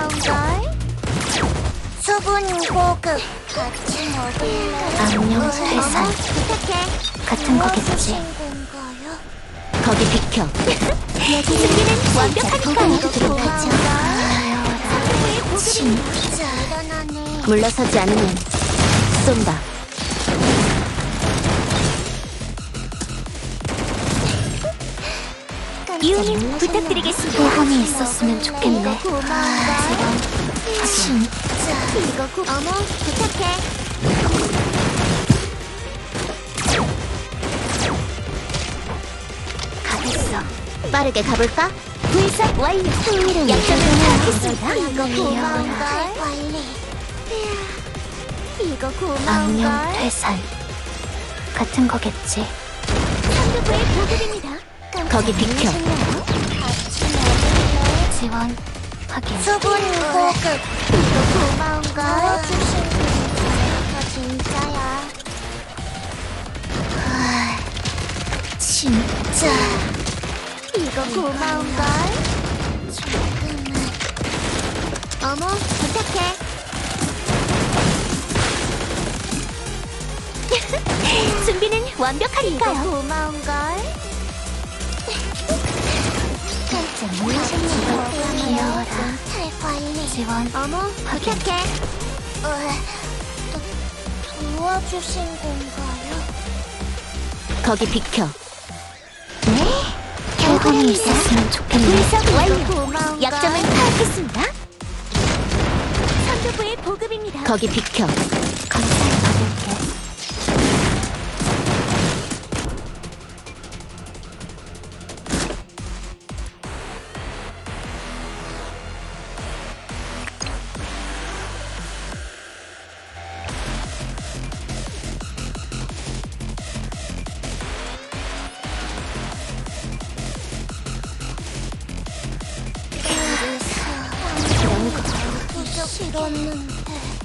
고마운걸? 수분 고급 같이 먹을래? 악령 회상 부탁해. 같은 거겠지. 거기 비켜. 준비는 완벽하니까요. 고마워라. 진짜 대단하네. 물러서지 않으면 쏜다. 이유님 부탁드리겠습니다. 소원이 있었으면 좋겠네. 진짜 이거 어머 부탁해. 가겠어. 빠르게 가볼까? 분석 완료. 흥미로운 약점을 파악했습니다. 이거 고마워라. 고마운걸? 관리. 이거 악령 고마운걸? 퇴산 같은 거겠지. 상급부의 보급입니다. 거기 비켜. 같이 먹을래? 지원 확인. 수분 고급. 이거 고마운걸? 저 진짜야. 진짜 이거 고마운걸? 조금은. 어머, 부탁해. 준비는 완벽하니까요. 이거 고마운걸? 깜짝 놀라셨나요? 귀여워라. 잘 관리. 지원 어머, 확인. 부탁해. 도와주신 건가요? 거기 비켜. 네. 결과이 있었으면 좋겠네. 분석 완료. 고마운걸? 약점을 파악했습니다. 선두부의 보급입니다. 거기 비켜. 감사히 받을게. 이런 거 싫었는데.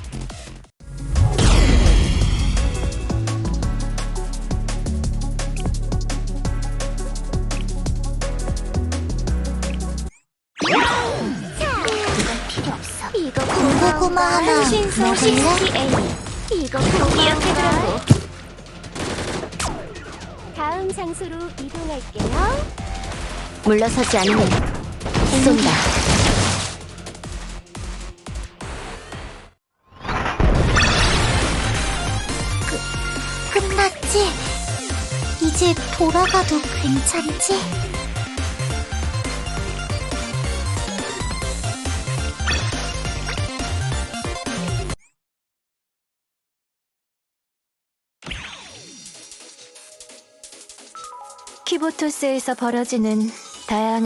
이건 필요 없어. 이거 군고구마 하나 한신소 먹을래? CCA. 이거 기억해두라고. 다음 장소로 이동할게요. 물러서지 않으면 쏜다. 끝났지? 이제 돌아가도 괜찮지? 키보토스에서 벌어지는 다양한